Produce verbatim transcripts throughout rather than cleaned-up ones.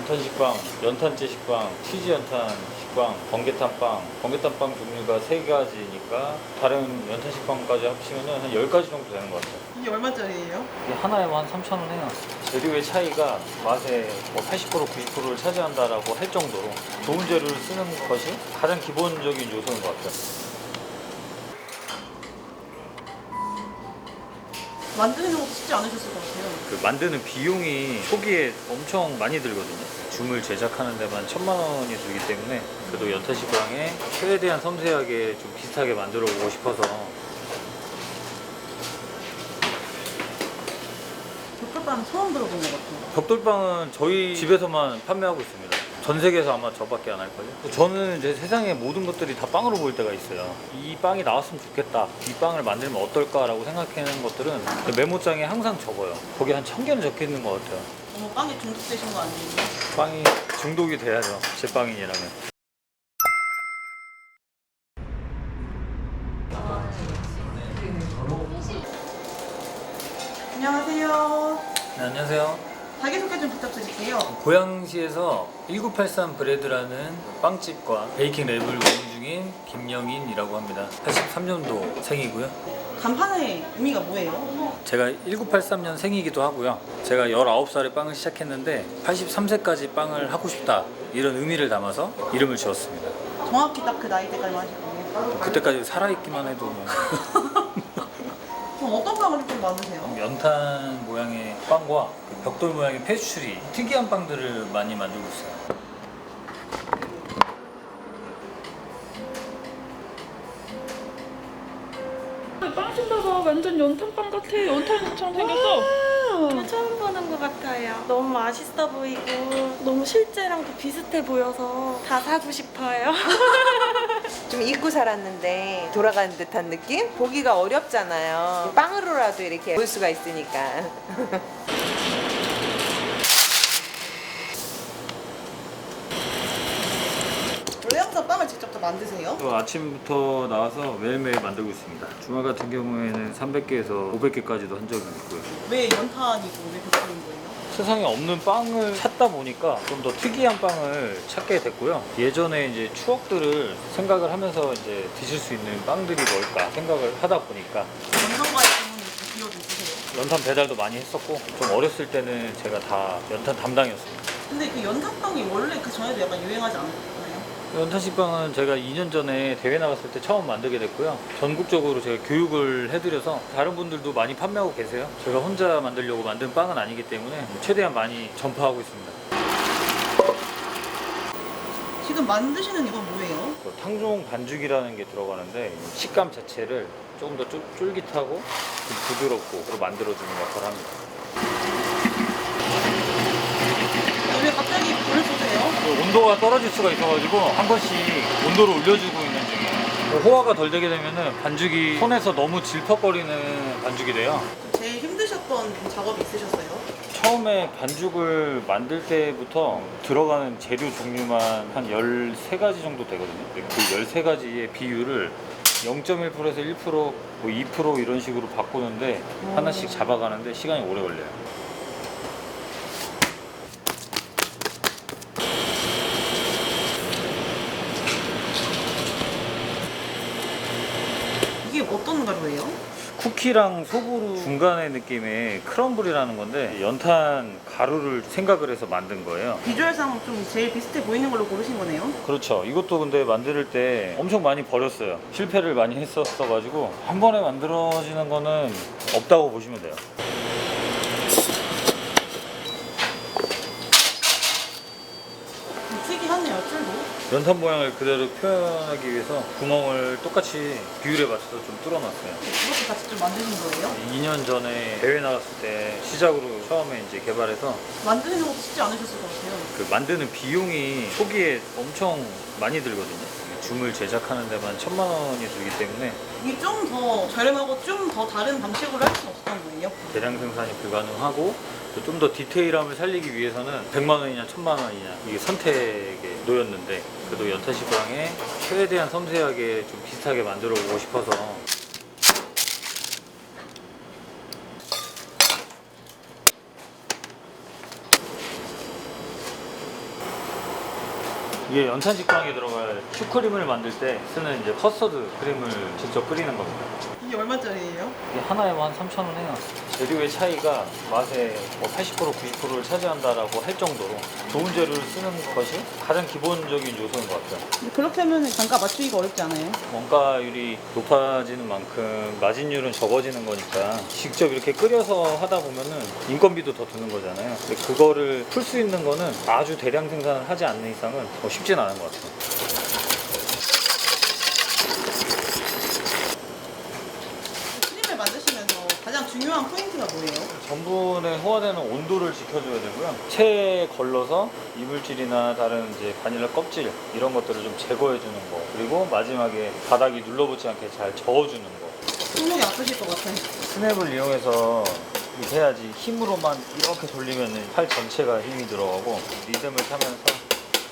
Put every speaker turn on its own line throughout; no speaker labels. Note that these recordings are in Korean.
연탄 식빵, 연탄재 식빵, 치즈 연탄 식빵, 번개탄 빵, 번개탄 빵 종류가 세 가지니까 다른 연탄 식빵까지 합치면 한 열 가지 정도 되는 것 같아요.
이게 얼마짜리예요?
이게 하나에만 한 삼천 원 해요. 재료의 차이가 맛의 뭐 팔십 퍼센트, 구십 퍼센트를 차지한다라고 할 정도로 좋은 재료를 쓰는 것이 가장 기본적인 요소인 것 같아요.
만드는 것도 쉽지 않으셨을 것 같아요.
그 만드는 비용이 초기에 엄청 많이 들거든요. 줌을 제작하는 데만 천만 원이 들기 때문에 그래도 연탄 식빵에 최대한 섬세하게 좀 비슷하게 만들어 보고 싶어서.
벽돌빵 처음 들어본 것 같아요.
벽돌빵은 저희 집에서만 판매하고 있습니다. 전 세계에서 아마 저밖에 안 할걸요. 저는 이제 세상의 모든 것들이 다 빵으로 보일 때가 있어요. 이 빵이 나왔으면 좋겠다, 이 빵을 만들면 어떨까라고 생각하는 것들은 메모장에 항상 적어요. 거기 한 천 개는 적혀 있는 것 같아요.
어머, 빵에 중독되신 거 아니에요?
빵이 중독이 돼야죠, 제 빵인이라면.
안녕하세요.
네, 안녕하세요.
자기소개 좀 부탁드릴게요.
고양시에서 천구백팔십삼 브레드라는 빵집과 베이킹 랩을 운영 중인 김영인이라고 합니다. 팔십삼 년도 생이고요.
간판의 의미가 뭐예요?
제가 천구백팔십삼 년 생이기도 하고요. 제가 열아홉 살에 빵을 시작했는데 팔십삼 세까지 빵을 하고 싶다, 이런 의미를 담아서 이름을 지었습니다.
정확히 딱 그 나이 때까지 하실 거예요?
그때까지 살아있기만 해도 뭐.
그럼 어떤 빵을 좀 만드세요?
연탄 모양의 빵과 그 벽돌 모양의 페스츄리, 특이한 빵들을 많이 만들고 있어요.
빵 신봐봐. 완전 연탄빵 같아. 연탄처럼 생겼어.
저 처음 보는 것 같아요. 너무 맛있어 보이고 너무 실제랑도 비슷해 보여서 다 사고 싶어요.
좀 잊고 살았는데 돌아가는 듯한 느낌? 보기가 어렵잖아요. 빵으로라도 이렇게 볼 수가 있으니까.
원래 항상 빵을 직접 다 만드세요?
또 아침부터 나와서 매일매일 만들고 있습니다. 주말 같은 경우에는 삼백 개에서 오백 개까지도 한 적이 있고요.
왜 연탄이고 왜 벽돌인 거예요?
세상에 없는 빵을 찾다 보니까 좀 더 특이한 빵을 찾게 됐고요. 예전에 이제 추억들을 생각을 하면서 이제 드실 수 있는 빵들이 뭘까 생각을 하다 보니까
연탄과의 관련이 기억이 있으세요?
연탄 배달도 많이 했었고, 좀 어렸을 때는 제가 다 연탄 담당이었습니다.
근데 그 연탄빵이 원래 그 전에도 약간 유행하지 않았나요?
연탄 식빵은 제가 이 년 전에 대회 나갔을 때 처음 만들게 됐고요. 전국적으로 제가 교육을 해드려서 다른 분들도 많이 판매하고 계세요. 제가 혼자 만들려고 만든 빵은 아니기 때문에 최대한 많이 전파하고 있습니다.
지금 만드시는 이건 뭐예요?
그 탕종 반죽이라는 게 들어가는데 식감 자체를 조금 더 쫄- 쫄깃하고 좀 부드럽고 만들어주는 역할을 합니다.
왜 갑자기 불을 쏘세요?
그 온도가 떨어질 수가 있어가지고 한 번씩 온도를 올려주고 있는 중이에요. 그 호화가 덜 되게 되면은 반죽이 손에서 너무 질퍽거리는 반죽이 돼요.
제일 힘드셨던 작업이 있으셨어요?
처음에 반죽을 만들 때부터 들어가는 재료 종류만 한 열세 가지 정도 되거든요. 근데 그 열세 가지의 비율을 영 점 일 퍼센트에서 일 퍼센트, 뭐 이 퍼센트 이런 식으로 바꾸는데 하나씩 잡아가는데 시간이 오래 걸려요.
이게 어떤 가루예요?
쿠키랑 소보루 중간의 느낌의 크럼블이라는 건데 연탄 가루를 생각을 해서 만든 거예요.
비주얼상 좀 제일 비슷해 보이는 걸로 고르신 거네요?
그렇죠. 이것도 근데 만들 때 엄청 많이 버렸어요. 실패를 많이 했었어 가지고 한 번에 만들어지는 거는 없다고 보시면 돼요.
특이하네요, 줄도.
연탄 모양을 그대로 표현하기 위해서 구멍을 똑같이 비율에 맞춰서 좀 뚫어놨어요.
이것도 같이 좀 만드신 거예요?
이 년 전에 대회 나갔을 때 시작으로 처음에 이제 개발해서
만드는 것도 쉽지 않으셨을 것 같아요.
그 만드는 비용이 초기에 엄청 많이 들거든요. 줌을 제작하는 데만 천만 원이 들기 때문에
이게 좀 더 저렴하고 좀 더 다른 방식으로 할 수는 없었던 거예요?
대량 생산이 불가능하고 좀 더 디테일함을 살리기 위해서는 백만 원이냐 천만 원이냐 이게 선택에 놓였는데, 그래도 연탄 식빵에 최대한 섬세하게 좀 비슷하게 만들어 보고 싶어서 이게 연탄직방에 들어갈 슈크림을 만들 때 쓰는 이제 커스터드 크림을 직접 끓이는 겁니다.
이게 얼마짜리예요?
이게 하나에 한 삼천 원 해요. 재료의 차이가 맛의 뭐 팔십 퍼센트 구십 퍼센트를 차지한다라고 할 정도로 좋은 재료를 쓰는 것이 가장 기본적인 요소인 것 같아요.
근데 그렇게 하면 단가 맞추기가 어렵지 않아요?
원가율이 높아지는 만큼 마진율은 적어지는 거니까 직접 이렇게 끓여서 하다 보면은 인건비도 더 드는 거잖아요. 근데 그거를 풀 수 있는 거는 아주 대량 생산을 하지 않는 이상은 뭐 쉽진 않은 것 같아요.
크림을 만드시면서 가장 중요한 포인트가 뭐예요?
전분에 호화되는 온도를 지켜줘야 되고요. 체에 걸러서 이물질이나 다른 이제 바닐라 껍질 이런 것들을 좀 제거해 주는 거. 그리고 마지막에 바닥이 눌러붙지 않게 잘 저어주는 거.
손목이 아프실 것 같아요.
스냅을 이용해서 이렇게 해야지 힘으로만 이렇게 돌리면 팔 전체가 힘이 들어가고 리듬을 타면서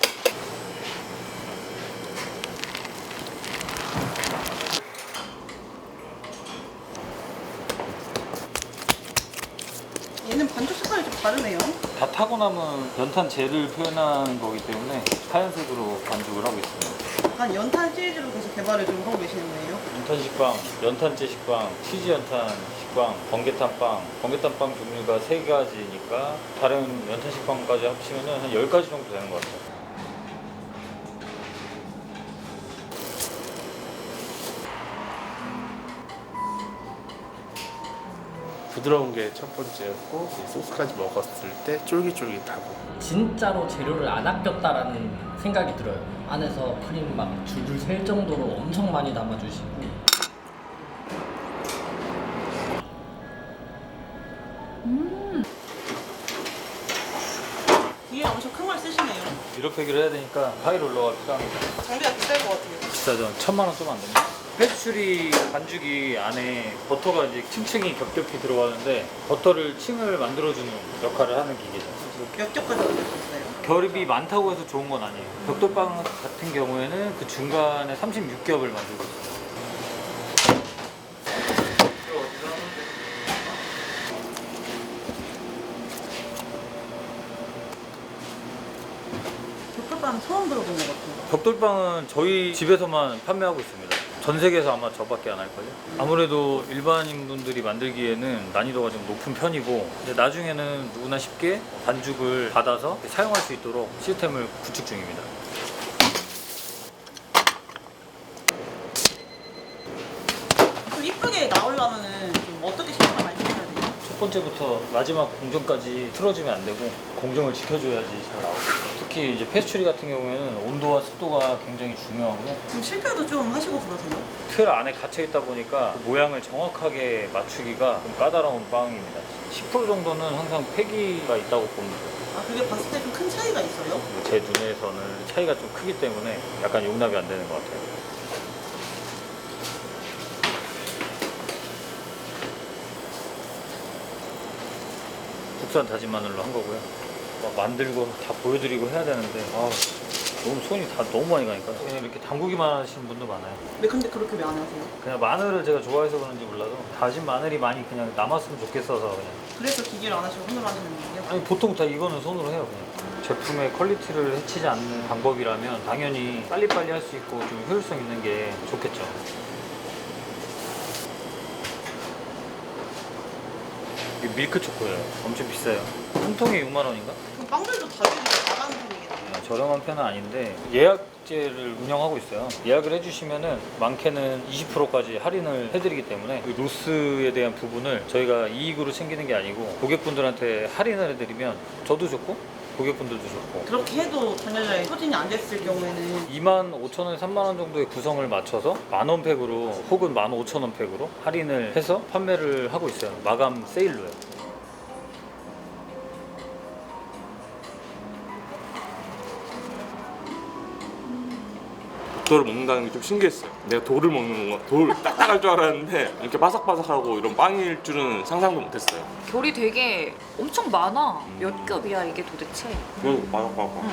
얘는 반죽 색깔이 좀 다르네요.
다 타고 남은 연탄 젤을 표현하는 거기 때문에 하얀색으로 반죽을 하고 있습니다.
약간 연탄 시리즈로 계속 개발을 좀 하고 계시는 거예요?
연탄 식빵, 연탄재 식빵, 치즈 연탄 식빵, 번개탄빵. 번개탄빵 종류가 세 가지니까 다른 연탄 식빵까지 합치면 한 열 가지 정도 되는 것 같아요.
부드러운 게 첫 번째였고 이 소스까지 먹었을 때 쫄깃쫄깃하고
진짜로 재료를 안 아꼈다라는 생각이 들어요. 안에서 크림 막 줄줄 셀 정도로 엄청 많이 담아주시고.
뒤에 엄청 큰 걸 쓰시네요.
미러패기를 해야 되니까 하이롤러가 필요합니다.
장비가 비쌀 것 같아요.
비싸죠. 천만 원 좀 안 됩니다. 페스츄리 반죽이 안에 버터가 이제 층층이 겹겹이 들어가는데 버터를 층을 만들어주는 역할을 하는 기계죠.
몇 겹까지 만드셨어요?
결입이 많다고 해서 좋은 건 아니에요. 벽돌빵 같은 경우에는 그 중간에 삼십육 겹을 만들고 있어요.
벽돌빵 처음 들어본 것 같아요.
벽돌빵은 저희 집에서만 판매하고 있습니다. 전 세계에서 아마 저밖에 안 할걸요. 아무래도 일반인 분들이 만들기에는 난이도가 좀 높은 편이고 이제 나중에는 누구나 쉽게 반죽을 받아서 사용할 수 있도록 시스템을 구축 중입니다.
좀 이쁘게 나오려면은 좀 어떻게 신경을 많이 써야 돼요?
첫 번째부터 마지막 공정까지 틀어지면 안 되고 공정을 지켜줘야지 잘 나오고 특히 이제 페스츄리 같은 경우에는 온도와 습도가 굉장히 중요하고요.
좀 실패도 좀 하시고 그러세요?
틀 안에 갇혀 있다 보니까 그 모양을 정확하게 맞추기가 좀 까다로운 빵입니다. 십 퍼센트 정도는 항상 폐기가 있다고 봅니다.
아 그게 봤을 때 좀 큰 차이가 있어요?
제 눈에서는 차이가 좀 크기 때문에 약간 용납이 안 되는 것 같아요. 국산 다진 마늘로 한 거고요. 막 만들고 다 보여드리고 해야 되는데 아, 너무 손이 다 너무 많이 가니까 그냥 이렇게 담그기만 하시는 분도 많아요.
왜 근데 그렇게 왜 안 하세요?
그냥 마늘을 제가 좋아해서 그런지 몰라도 다진 마늘이 많이 그냥 남았으면 좋겠어서 그냥
그래서 기계를 안 하시고 손으로 하시는 거예요?
아니 보통 다 이거는 손으로 해요 그냥. 제품의 퀄리티를 해치지 않는 방법이라면 당연히 빨리빨리 할 수 있고 좀 효율성 있는 게 좋겠죠. 이게 밀크 초코예요. 엄청 비싸요. 한 통에 육만 원인가?
그럼 빵들도 가격이 나가는 편이겠네요.
저렴한 편은 아닌데 예약제를 운영하고 있어요. 예약을 해주시면은 많게는 이십 퍼센트까지 할인을 해드리기 때문에 그 로스에 대한 부분을 저희가 이익으로 챙기는 게 아니고 고객분들한테 할인을 해드리면 저도 좋고 고객분들도 좋고
그렇게 해도 당연히 소진이 안 됐을 경우에는
이만 오천 원, 삼만 원 정도의 구성을 맞춰서 만 원 팩으로 혹은 만 오천 원 팩으로 할인을 해서 판매를 하고 있어요. 마감 세일로요.
돌을 먹는다는 게 좀 신기했어요. 내가 돌을 먹는 거, 돌 딱딱할 줄 알았는데 이렇게 바삭바삭하고 이런 빵일 줄은 상상도 못했어요.
결이 되게 엄청 많아. 몇 겹이야 이게 도대체?
그리고 바삭바삭.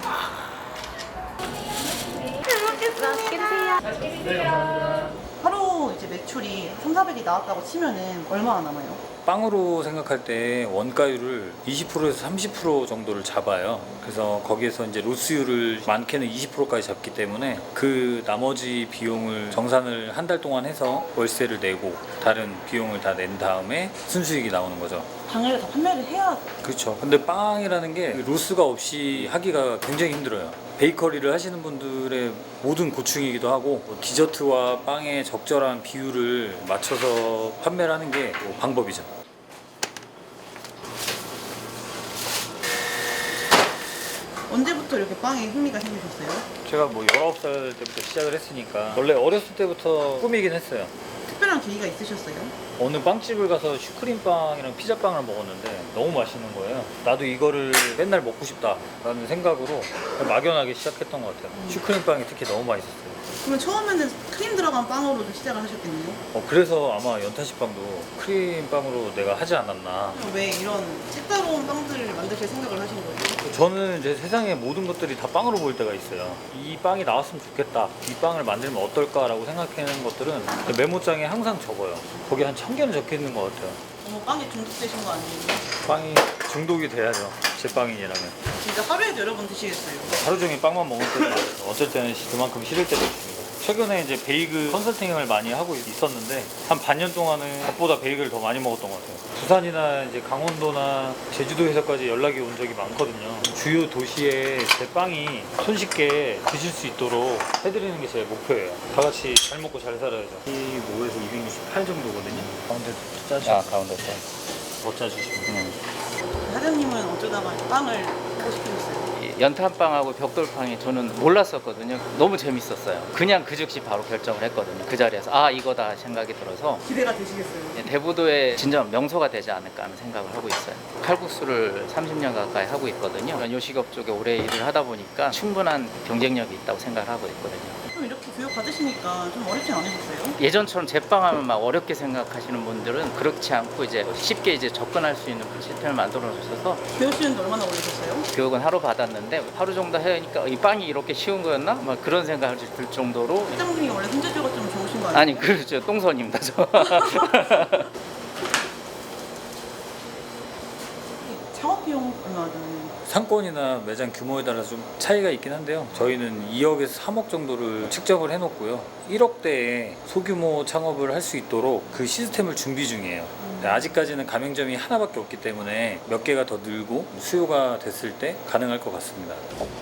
하루 하루 이제 매출이 삼사백이 나왔다고 치면은 얼마나 남아요?
빵으로 생각할 때 원가율을 이십 퍼센트에서 삼십 퍼센트 정도를 잡아요. 그래서 거기에서 이제 로스율을 많게는 이십 퍼센트까지 잡기 때문에 그 나머지 비용을 정산을 한 달 동안 해서 월세를 내고 다른 비용을 다 낸 다음에 순수익이 나오는 거죠.
당일에 다 판매를 해야
그렇죠. 근데 빵이라는 게 로스가 없이 하기가 굉장히 힘들어요. 베이커리를 하시는 분들의 모든 고충이기도 하고 뭐 디저트와 빵의 적절한 비율을 맞춰서 판매를 하는 게 뭐 방법이죠.
언제부터 이렇게 빵에 흥미가 생기셨어요?
제가 뭐 열아홉 살 때부터 시작을 했으니까 원래 어렸을 때부터 꿈이긴 했어요.
특별한 계기가 있으셨어요?
어느 빵집을 가서 슈크림빵이랑 피자빵을 먹었는데 너무 맛있는 거예요. 나도 이거를 맨날 먹고 싶다라는 생각으로 막연하게 시작했던 것 같아요. 슈크림빵이 특히 너무 맛있었어요.
그러면 처음에는 크림 들어간 빵으로 좀 시작을 하셨겠네요?
어, 그래서 아마 연타시빵도 크림빵으로 내가 하지 않았나.
왜 이런 색다른 빵들을 만드실 생각을 하신 거예요?
저는 이제 세상의 모든 것들이 다 빵으로 보일 때가 있어요. 이 빵이 나왔으면 좋겠다. 이 빵을 만들면 어떨까라고 생각하는 것들은 메모장에 항상 적어요. 거기 한 천 개는 적혀 있는 것 같아요.
어머, 빵에 중독되신 거 아니에요?
빵이 중독이 돼야죠. 제 빵이라면.
진짜 하루에도 여러 번 드시겠어요?
하루 종일 빵만 먹을 때도 많아요. 어쩔 때는 그만큼 싫을 때도 있습니다. 최근에 이제 베이글 컨설팅을 많이 하고 있었는데 한 반년 동안은 밥보다 베이글을 더 많이 먹었던 것 같아요. 부산이나 이제 강원도나 제주도에서까지 연락이 온 적이 많거든요. 주요 도시에 제 빵이 손쉽게 드실 수 있도록 해드리는 게 제 목표예요. 다 같이 잘 먹고 잘 살아야죠. 이십오에서 이백육십팔 정도거든요. 가운데 짜주시면. 아, 가운데 더 짜주시면.
사장님은 어쩌다가 빵을 하고 싶으셨어요?
연탄빵하고 벽돌빵이 저는 몰랐었거든요. 너무 재밌었어요. 그냥 그 즉시 바로 결정을 했거든요. 그 자리에서 아 이거다 생각이 들어서
기대가 되시겠어요?
대부도의 진정 명소가 되지 않을까 하는 생각을 하고 있어요. 칼국수를 삼십 년 가까이 하고 있거든요. 요식업 쪽에 오래 일을 하다 보니까 충분한 경쟁력이 있다고 생각을 하고 있거든요.
좀 이렇게 교육 받으시니까 좀 어렵진 않으셨어요?
예전처럼 제빵하면 막 어렵게 생각하시는 분들은 그렇지 않고 이제 쉽게 이제 접근할 수 있는 그 시스템을 만들어 주셔서
배우시는데 얼마나 걸리셨어요?
교육은 하루 받았는데 하루 정도 하니까 이 빵이 이렇게 쉬운 거였나? 막 그런 생각이 들 정도로.
사장님이 원래 손재주가 좀 좋으신 거 아니에요?
아니 그렇죠. 똥손입니다 저.
창업 비용 얼마 드나요?
상권이나 매장 규모에 따라서 좀 차이가 있긴 한데요. 저희는 이억에서 삼억 정도를 측정을 해놓고요. 일억대의 소규모 창업을 할 수 있도록 그 시스템을 준비 중이에요. 네, 아직까지는 가맹점이 하나밖에 없기 때문에 몇 개가 더 늘고 수요가 됐을 때 가능할 것 같습니다.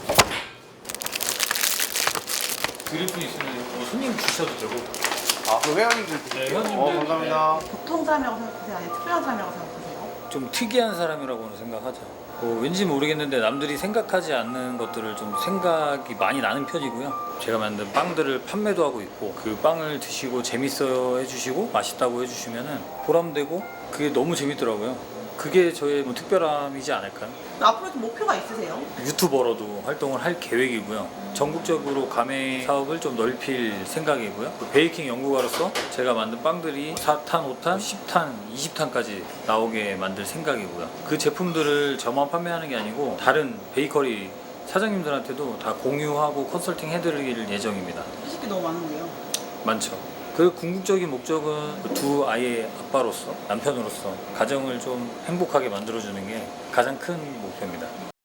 드릴 분 있으면 뭐 손님 주셔도 되고.
아, 그 회원님들
네, 회원님들.
어, 감사합니다.
보통 사람이라고 생각하세요? 아니면 특별한 사람이라고 생각하세요?
좀 특이한 사람이라고는 생각하죠. 뭐 왠지 모르겠는데 남들이 생각하지 않는 것들을 좀 생각이 많이 나는 편이고요. 제가 만든 빵들을 판매도 하고 있고 그 빵을 드시고 재밌어 해주시고 맛있다고 해주시면은 보람되고 그게 너무 재밌더라고요. 그게 저의 뭐 특별함이지 않을까요?
앞으로 좀 목표가 있으세요?
유튜버로도 활동을 할 계획이고요. 전국적으로 가맹 사업을 좀 넓힐 생각이고요. 베이킹 연구가로서 제가 만든 빵들이 사 탄, 오 탄, 십 탄, 이십 탄까지 나오게 만들 생각이고요. 그 제품들을 저만 판매하는 게 아니고 다른 베이커리 사장님들한테도 다 공유하고 컨설팅 해드릴 예정입니다.
하실 게 너무 많은데요.
많죠. 그 궁극적인 목적은 두 아이의 아빠로서, 남편으로서 가정을 좀 행복하게 만들어주는 게 가장 큰 목표입니다.